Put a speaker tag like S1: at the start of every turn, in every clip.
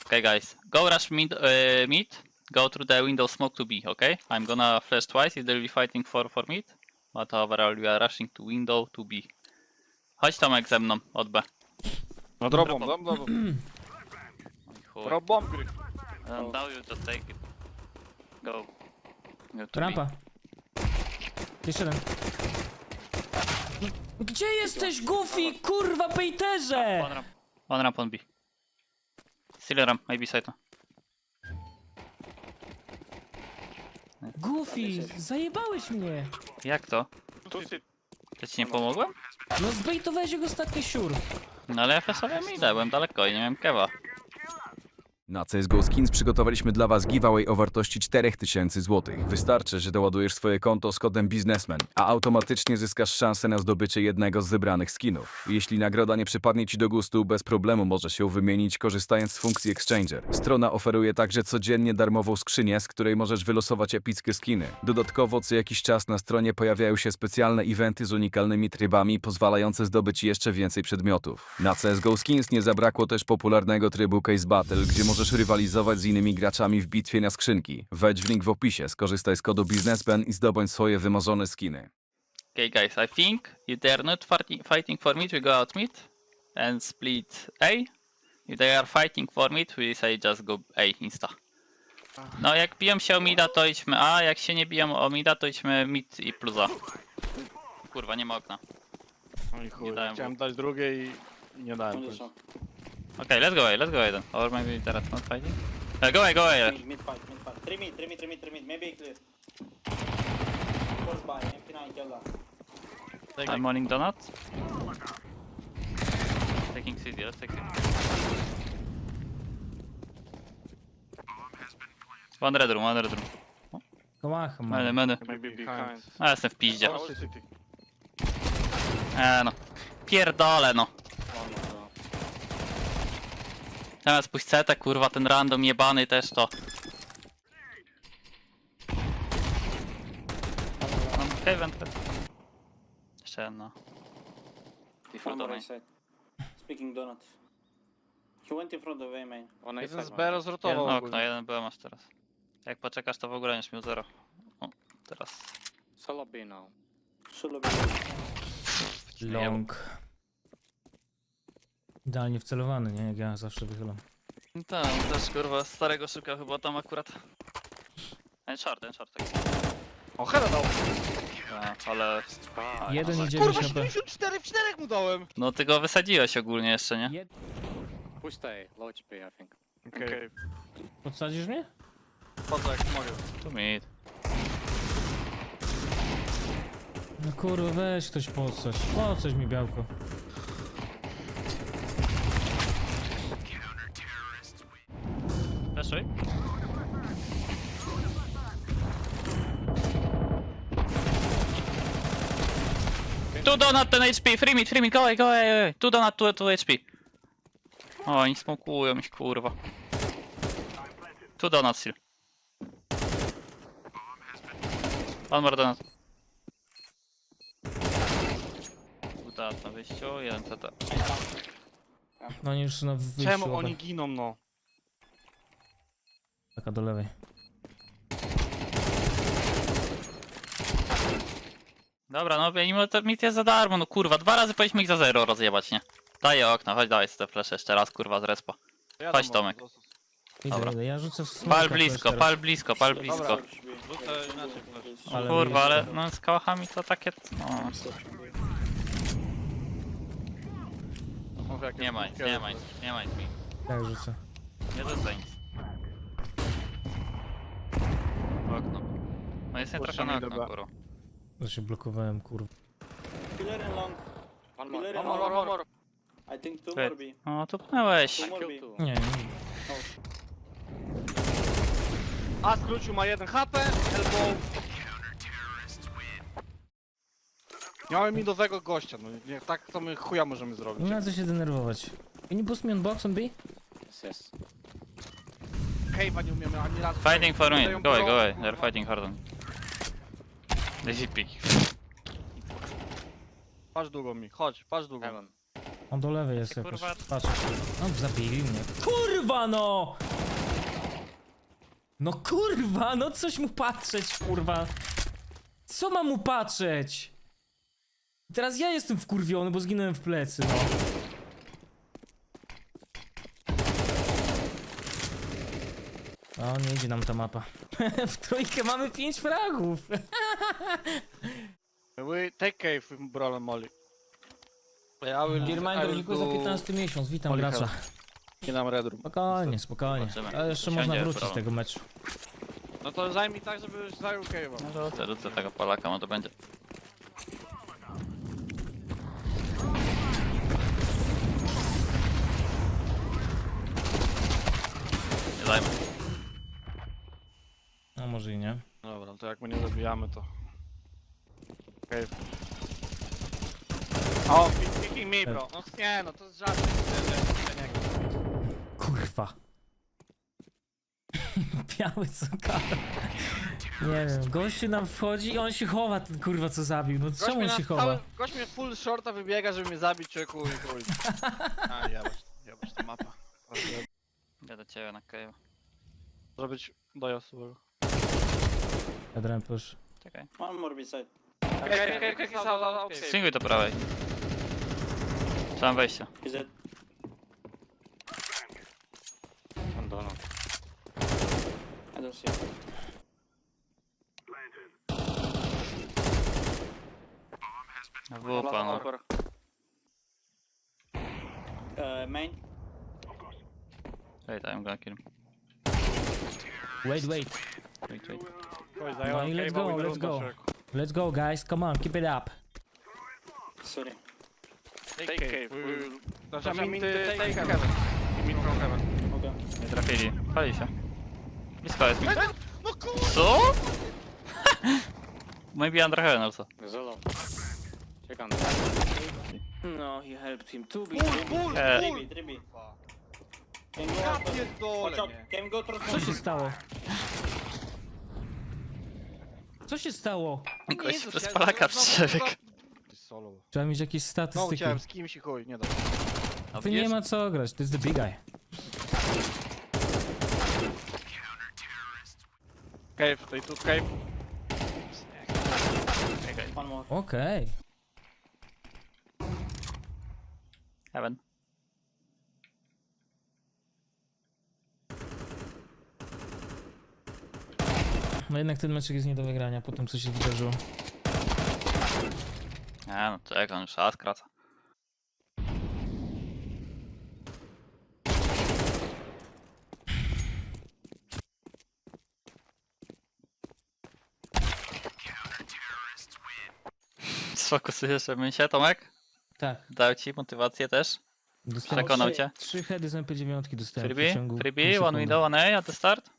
S1: Okay, guys, go rush mid. Go through the window smoke to B. Okay, I'm gonna flash twice. If they'll be fighting for mid, but overall we are rushing to window to B. Chodź Tomek ze mną od B.
S2: No drop bomb.
S1: Oj, chuj.
S2: Drop bomb, Gry.
S1: Now you just take it. Go. Go to
S3: Rampa. Jeszcze jeden. No, gdzie jesteś, Goofy? Kurwa,
S1: B.
S3: bejterze!
S1: One ramp on B. Still ramp, maybe side.
S3: Goofy, zajebałeś mnie.
S1: Jak to?
S2: Tu sit.
S1: Ja ci nie pomogłem?
S3: No zbejtowałeś jego ostatni siur.
S1: No ale ja flasowałem idę, byłem daleko i nie miałem kewa.
S4: Na CSGO Skins przygotowaliśmy dla Was giveaway o wartości 4000 zł. Wystarczy, że doładujesz swoje konto z kodem biznesmen, a automatycznie zyskasz szansę na zdobycie jednego z wybranych skinów. Jeśli nagroda nie przypadnie Ci do gustu, bez problemu możesz ją wymienić korzystając z funkcji Exchanger. Strona oferuje także codziennie darmową skrzynię, z której możesz wylosować epickie skiny. Dodatkowo co jakiś czas na stronie pojawiają się specjalne eventy z unikalnymi trybami, pozwalające zdobyć jeszcze więcej przedmiotów. Na CSGO Skins nie zabrakło też popularnego trybu Case Battle, gdzie możesz rywalizować z innymi graczami w bitwie na skrzynki. Wejdź w link w opisie, skorzystaj z kodu biznesmen i zdobądź swoje wymarzone skiny.
S1: Okay guys, I think if they are not fighting for mid, we go out mid and split A. If they are fighting for mid, we say just go A insta. No jak biją się o mida, to idźmy A, jak się nie biją o mida, to idźmy mid i plus A. Kurwa, nie ma okna.
S2: No i chuj,
S1: Nie dałem
S2: chciałem dać drugie i nie dałem.
S1: Okay, let's go A then. Or maybe they're not fighting. Go A.
S5: Mid fight. 3 mid. Maybe clear. Force by MP9 yalla.
S1: I'm morning donut. Taking CD, let's take CD. One red room.
S3: Kołacha,
S1: Many.
S2: Maybe behind.
S1: A jestem w piździe.
S2: City, city.
S1: No. Pierdolę no. Teraz pójść CT, kurwa, ten random jebany też to. Mam Haven. Jeszcze jedna.
S5: One more right side. Speaking donut. He went in front of A main.
S2: Jeden z B rozrotował
S1: Jedno
S2: ogólnie.
S1: okno, jeden byłem masz teraz. Jak poczekasz, to w ogóle będziesz miał 0. O, teraz.
S5: Solo B now. Solo B.
S3: Long. Idealnie wcelowany, nie? Jak ja zawsze wychylam.
S1: Tak, też kurwa starego szukał chyba tam akurat. Ten short. Tak.
S2: O, heada dał.
S1: Ale...
S3: Jeden idzie
S2: Kurwa,
S3: do siebie.
S2: 74 w 4 mu dałem.
S1: No ty go wysadziłeś ogólnie jeszcze, nie?
S5: Push stay. Low HP I think.
S2: Okej.
S3: Podsadzisz mnie?
S2: Po co jak mogę?
S1: Tu mid.
S3: No kurwa, weź ktoś podsadź. Podsadź mi białko.
S1: Weszły? Tu donut, ten HP, free mid, go away. Tu donut, tu HP. O, oni smokują mi kurwa. Tu donut still. One more donut. Donut na wyjściu, jeden CT.
S3: No oni już na wyjściu.
S2: Czemu
S3: obaj.
S2: oni giną, no?
S3: Taka do lewej.
S1: Dobra, no mimo to mit jest za darmo, no kurwa, 2 razy powinniśmy ich za 0 rozjebać, nie? Daję okno, chodź dawaj te flesze jeszcze raz, kurwa, z respa.
S2: Ja
S1: Chodź,
S2: tam
S1: Tomek.
S2: został.
S1: Dobra.
S3: Idę, ja rzucę w smoka
S1: Pal
S3: też
S1: blisko,
S3: teraz.
S1: pal blisko.
S2: Rzucę inaczej flash.
S3: Ale
S1: Kurwa,
S3: blisko.
S1: ale no z kałachami to takie, no...
S2: Mów, jak
S1: Nie
S2: jest
S1: ma nic mi.
S3: Tak rzucę.
S1: Nie rzucaj nic. Okno. No jest nie trochę na
S2: Puszczamy
S1: okno,
S2: dobra.
S1: kurwa.
S3: To się blokowałem, kurwa.
S5: Killer and long.
S2: One
S5: Killer
S2: more,
S5: and
S2: one more,
S5: long.
S2: one more.
S5: I think 2
S1: Ty.
S5: more B.
S1: O, tu pnęłeś.
S5: 2 more B.
S3: Nie, nie.
S2: A skrócił ma 1 HP, elbow. Miałem midowego gościa, no nie, tak to my chuja możemy zrobić.
S3: Nie ma co się denerwować. Can you boost me on box on B?
S5: Yes.
S2: Cave'a nie umiemy ani razu.
S1: Fighting for me,
S2: Dają
S1: go away,
S2: pro-
S1: go away. They're fighting hard on me. Lazy pick.
S2: Patrz długo mi, chodź, patrz długo.
S3: On do lewej jest
S1: Ty,
S3: jakoś.
S1: kurwa.
S3: Patrz. No, zabili mnie. Kurwa no! No kurwa, no coś mu patrzeć, kurwa. Co mam mu patrzeć? Teraz ja jestem wkurwiony, bo zginąłem w plecy, no. O, nie idzie nam ta mapa. W trójkę mamy 5 fragów.
S2: We take cave with Brolem Molly. Ja will,
S3: Reminder, dziękuję za 15 miesiąc, witam
S2: Holy
S3: gracza.
S2: Nie dam Red Room.
S3: Spokojnie, spokojnie.
S1: Zobaczymy.
S3: A jeszcze
S1: Siądzie
S3: można wrócić z
S1: problem.
S3: tego meczu.
S2: No to zajmij tak, żeby zajął cave'a.
S1: No rzucę tego Polaka, no to będzie. Nie zajmę.
S3: No może i nie.
S2: Dobra, to jak my nie zabijamy to... Cave. O, picking me bro. No nie no, to jest żart.
S3: Kurwa. Biały co gada. Nie wiem, gościu nam wchodzi i on się chowa, ten kurwa co zabił. No czemu on się chowa?
S2: Gość mnie full shorta wybiega, żeby mnie zabić, człowieku i chuj. A, jebać ta mapa.
S1: Ja do ciebie na cave.
S2: Może być dojazd złego.
S3: Adrian push.
S1: Czekaj.
S5: One more beside.
S1: Swinguj do prawej. Trzeba wejścia.
S5: Is it?
S2: One donut.
S5: I don't see it.
S1: Wupa, no.
S5: Main.
S1: Wait, I'm gonna kill him.
S3: Wait.
S1: Wait.
S3: No i let's go, let's go. Let's go guys, come on, keep it up.
S5: Sorry.
S2: Take cave. Znaczy, I mean take heaven. I mean from heaven.
S5: Okay.
S1: Nie trafili. Pali się. Blisko jest mi.
S2: No kurwa!
S1: Co? Maybe under heaven also.
S5: Zolo. Check on. No, he helped him. 2B.
S2: Bull!
S5: 3B. Can go
S2: Ja
S5: out. Watch
S2: pierdolę,
S5: out.
S2: nie.
S5: Can go through
S3: Co się stało? Co się stało?
S1: Gość przez Polaka przebiegł.
S2: Ty solo.
S3: Trzeba mieć jakieś
S2: No
S3: statystyki.
S2: chciałem z kimś i chuj, nie da.
S1: A
S3: Tu nie ma co grać, to jest the big guy.
S2: Cave, tutaj tu cave.
S5: one more.
S3: Okej.
S1: Heaven.
S3: No jednak ten meczek jest nie do wygrania po tym co się wydarzyło.
S1: A no czekaj, on już czas skraca. Sfokusujesz się, Tomek?
S3: Tak.
S1: Dał ci motywację też?
S3: Dostałem
S1: Przekonał cię?
S3: 3 heady z MP9 dostałem w
S1: Freebie?
S3: ciągu
S1: Freebie?
S3: pół
S1: One
S3: sekundy.
S1: window, one A at the start?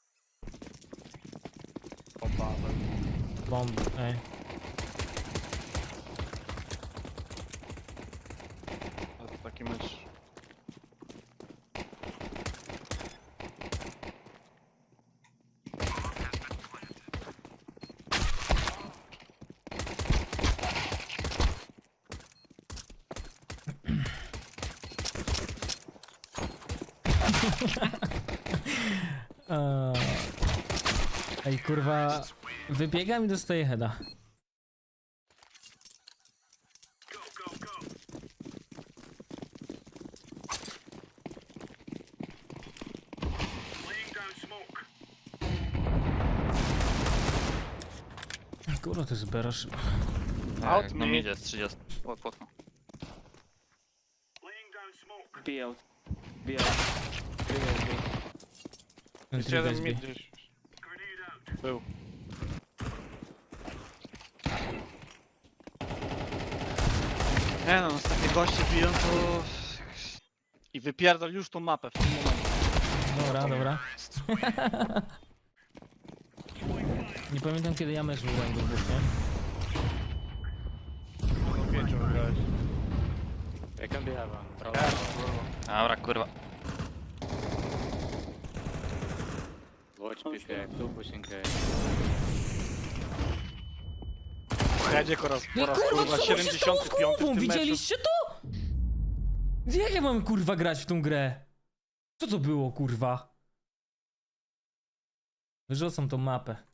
S3: Bomb, ej.
S2: To taki mecz.
S3: Ej kurwa, wybiegam i dostaję heada. Kurwa, to jest berasz.
S2: Out
S1: Jak no
S2: mid.
S1: idzie z 30. O, płotno.
S5: B out. B out.
S2: Jest jeden mid gdzieś. Był. Nie no, nas takie goście biją to... I wypierdol już tą mapę w tym momencie.
S3: Dobra. Nie pamiętam kiedy ja mecz wygrałem do dwóch, nie?
S2: Do 5 wygrałeś.
S1: Dobra, kurwa.
S5: Watch PK. Two pushing A.
S2: Jedzie po raz
S3: No kurwa, co się stało z
S2: 75 w
S3: głową?
S2: tym meczu.
S3: Widzieliście to? Jak ja mam kurwa grać w tą grę? Co to było kurwa? Wyrzucam tą mapę.